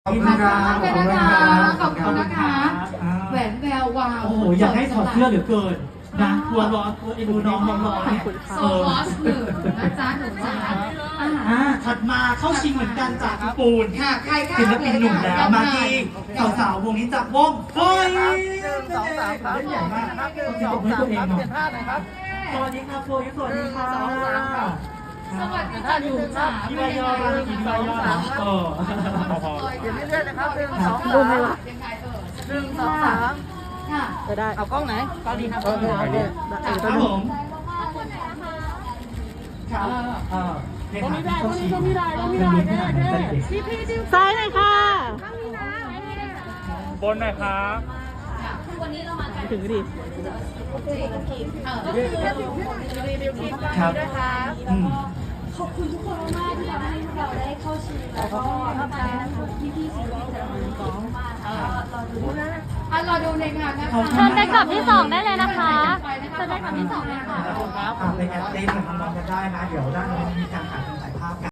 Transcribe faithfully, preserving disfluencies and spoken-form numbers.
ขอบคุณครับขอบคุณนะคะขอบคุณนะคะแหวนแวววาวโอ้โหอยากให้ถอดเสื้อเหลือเกินนะกลัวร้อนกลัวไอ้ดูน้องน้องร้อนเนี่ยโซลอสหนึ่งนะจ๊ะหนูจ๋าอาหารอ่าถัดมาเข้าชิงเหมือนกันจากญี่ปุ่นค่ะใครค่ะศิลปินหนุ่มแล้วมาที่สาวๆวงนี้จากวงเฮ้ยหนึ่งสองสามครับเล่นใหญ่มากนะครับหนึ่งต้สออง งให้สามตัวเองครับหน่เปอยลี่ยนท่าหน่อยครับสวัสดีครับโฟยสวัสดีค่ะหนึ่งสองสามครับสวัสดีค่ะหนูจ๋าพี่วายอมาพี่วายอเออเปลี่ยนเรื่อยๆนะครับหนึ่งสองดูสามให้ละยังไงเออหนึ่งสองสามค่ะจะได้เอากล้องไหนกล้องนี้ครับโอเคโอเคครับผมครับเออตรงนี้ได้ตรงนี้ตรงนี้ได้ตรงนี้ได้ได้ได้พี่พี่ดิวซ้ายหน่อยค่ะบนหน่อยครับถึงดิครับอืมขอบคุณทุกคนมากๆที่ทำให้เราได้เข้าชิงแล้วก็ทำให้พี่ๆศิลปินแต่ละคนร้องมากแล้วก็รอดูนะอ่ะรอดูในงานนะคะเชิญไปกลับที่สองได้เลยนะคะเชิญไปกลับที่สองเลยค่ะอ่าไปแอดเต้นกับน้องๆกันได้นะ เดี๋ยวด้านโน้นมีการขายคอน